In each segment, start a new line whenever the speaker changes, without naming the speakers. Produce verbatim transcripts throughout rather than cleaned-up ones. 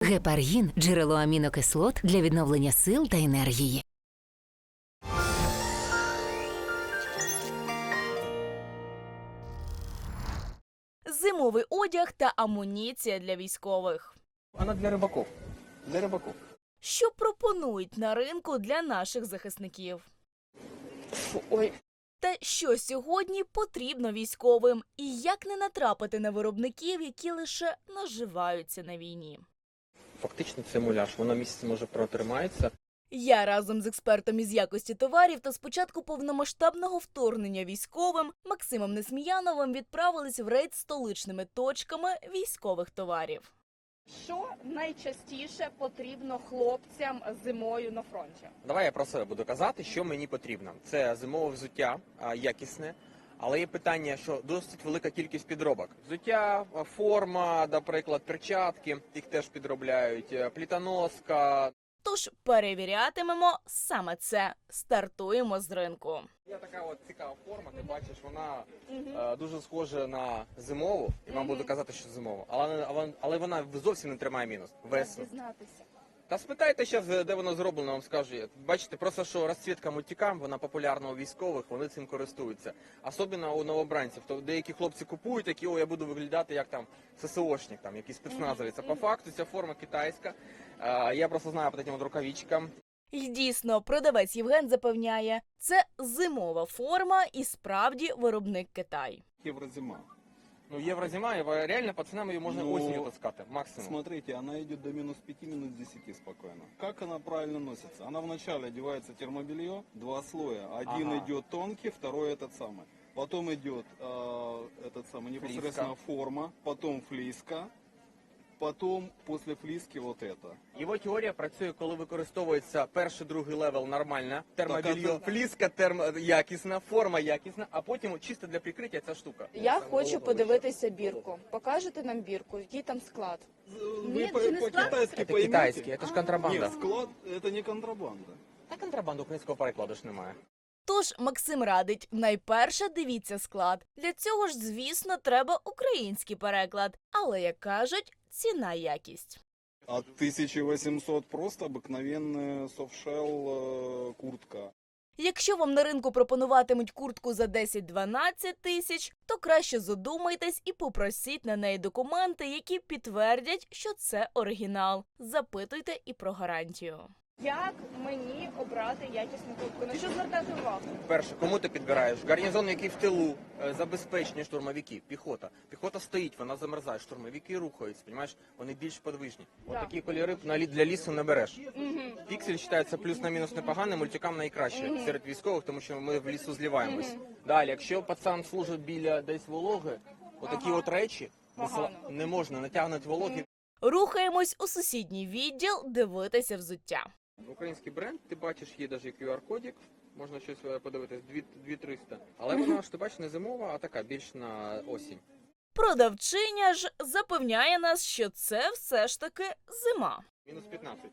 Гепаргін – джерело амінокислот для відновлення сил та енергії.
Зимовий одяг та амуніція для військових.
Вона для рибаків. Для рибаків.
Що пропонують на ринку для наших захисників?
Фу, ой.
Та що сьогодні потрібно військовим? І як не натрапити на виробників, які лише наживаються на війні?
Фактично це муляж. Воно місяць може протримається.
Я разом з експертом із якості товарів та з початку повномасштабного вторгнення військовим Максимом Несміяновим відправились в рейд столичними точками військових товарів.
Що найчастіше потрібно хлопцям зимою на фронті?
Давай я про себе буду казати, що мені потрібно. Це зимове взуття, а, якісне. Але є питання, що досить велика кількість підробок. Взуття, форма, наприклад, перчатки, їх теж підробляють, плітоноска.
Тож перевірятимемо саме це. Стартуємо з ринку.
Є така от цікава форма, ти бачиш, вона е, дуже схожа на зимову, і вам буду казати, що зимова. Але, але, але вона зовсім не тримає мінус. Весну.
Дізнатися.
Та спитайте зараз, де воно зроблено, вам скажу. Бачите, просто що розцвітка мультикам, вона популярна у військових, вони цим користуються. Особливо у новобранців. То деякі хлопці купують, такі, о, я буду виглядати як там ССОшник, там, якийсь спецназовець. А по факту ця форма китайська. Е, я просто знаю по таким от рукавичкам.
І дійсно, продавець Євген запевняє, це зимова форма і справді виробник Китай.
Еврозима.
Ну, еврозима, і реально пацанам її можна
Ну,
осінню таскати, максимум.
Смотрите, она идет до минус пяти, минус десяти спокойно. Как она правильно носится? Она вначале одевается термобелье, два слоя. Один
Ага.
идет тонкий, второй этот самый. Потом идет э, этот самый непосредственно форма, потом флиска, потом после флиски вот это.
Його теорія працює, коли використовується перший, другий левел нормальна, термобільйо,
Так, а це-
фліска термо... якісна, форма якісна, а потім чисто для прикриття ця штука.
Я хочу подивитися бірку. Покажете нам бірку, який там склад?
Вы
Нет,
по-
это не
по-китайски
Це
поймите.
китайський, це ж контрабанда.
Нет, склад это не контрабанда.
Та контрабанду українського перекладу ж немає.
Тож Максим радить, найперше дивіться склад. Для цього ж, звісно, треба український переклад. Але, як кажуть, ціна-якість.
От тысячи восьмисот просто обыкновенная софтшелл э, куртка.
Якщо вам на ринку пропонуватимуть куртку за десять-дванадцять тисяч, то краще задумайтесь і попросіть на неї документи, які підтвердять, що це оригінал. Запитуйте і про гарантію.
Як мені обрати якісну куртку? На що звертати увагу?
Перше, кому ти підбираєш? Гарнізон, який в тилу, е, забезпечені штурмовики, піхота. Піхота стоїть, вона замерзає, штурмовики рухаються, розумієш? Вони більш подвижні. От
Да.
такі кольори на лі- для лісу не береш. Піксель вважається плюс на мінус непоганий, мультикам найкраще серед військових, тому що ми в лісу зливаємось. Далі, якщо пацан служить біля десь вологи, отакі от речі не сла-
Погано.
не можна, натягнуть вологи.
Рухаємось у сусідній відділ дивитися взуття.
Український бренд, ти бачиш, є навіть кю ар-кодик, можна щось е, подивитись, дві триста. Але вона ж, ти бачиш, не зимова, а така, більш на осінь.
Продавчиня ж запевняє нас, що це все ж таки зима.
Мінус п'ятнадцять.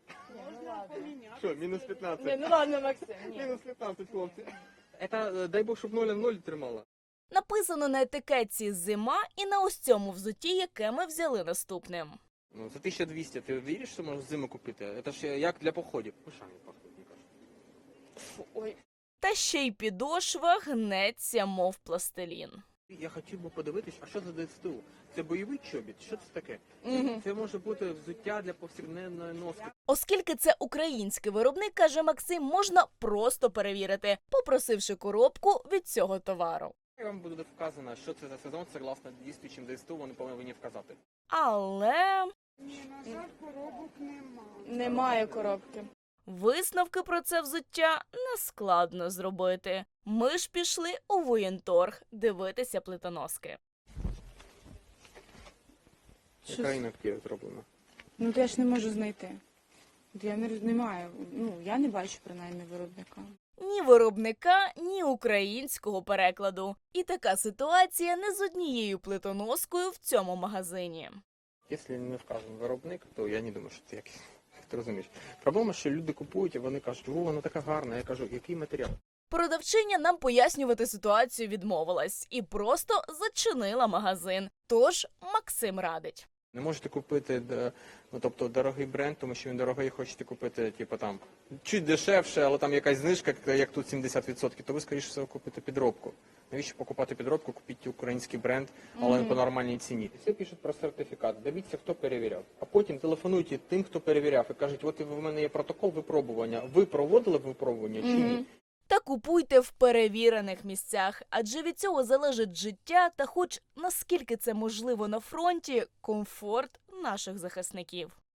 Що, мінус п'ятнадцять?
Ні, ну ладно, Максим. Ні.
Мінус п'ятнадцять, хлопці. Це, е, дай Бог, щоб нуль в ноль тримала.
Написано на етикетці «Зима» і на ось цьому взутті, яке ми взяли наступним.
Ну, за тисячу двісті ти віриш, що можеш зиму купити? Це ж як для походів. Ушами пахнуть, мені кажуть.
Фу, ой.
Та ще й підошва гнеться, мов пластилін.
Я хотів би подивитись, а що за ДСТУ? Це бойовий чобіт? Що це таке? Це може бути взуття для повсякденної носки.
Оскільки це український виробник, каже Максим, можна просто перевірити, попросивши коробку від цього товару.
Я вам буде вказано, що це за сезон, согласно дійствуючим ДСТУ, вони повинні вказати.
Але
Немає коробки.
висновки про це взуття нескладно зробити. Ми ж пішли у воєнторг дивитися плитоноски.
Яка інактива зроблена?
Ну, то я ж не можу знайти. Я не, не маю, ну, я не бачу, принаймні, виробника.
Ні виробника, ні українського перекладу. І така ситуація не з однією плитоноскою в цьому магазині.
Якщо не вказаний виробник, то я не думаю, що це якийсь. Ти розумієш? Проблема, що люди купують, і вони кажуть, о, вона така гарна. Я кажу, який матеріал?
Продавчиня нам пояснювати ситуацію відмовилась і просто зачинила магазин. Тож Максим радить.
Не можете купити де- ну, тобто, дорогий бренд, тому що він дорогий, хочете купити, типу, там, чуть дешевше, але там якась знижка, як тут сімдесят відсотків, то ви, скоріше всього, купите підробку. Навіщо покупати підробку, купіть український бренд, але по нормальній ціні. Всі пишуть про сертифікат, дивіться, хто перевіряв. А потім телефонуйте тим, хто перевіряв, і кажуть, от в мене є протокол випробування. Ви проводили випробування чи ні?
Та купуйте в перевірених місцях, адже від цього залежить життя та, хоч наскільки це можливо на фронті, комфорт наших захисників.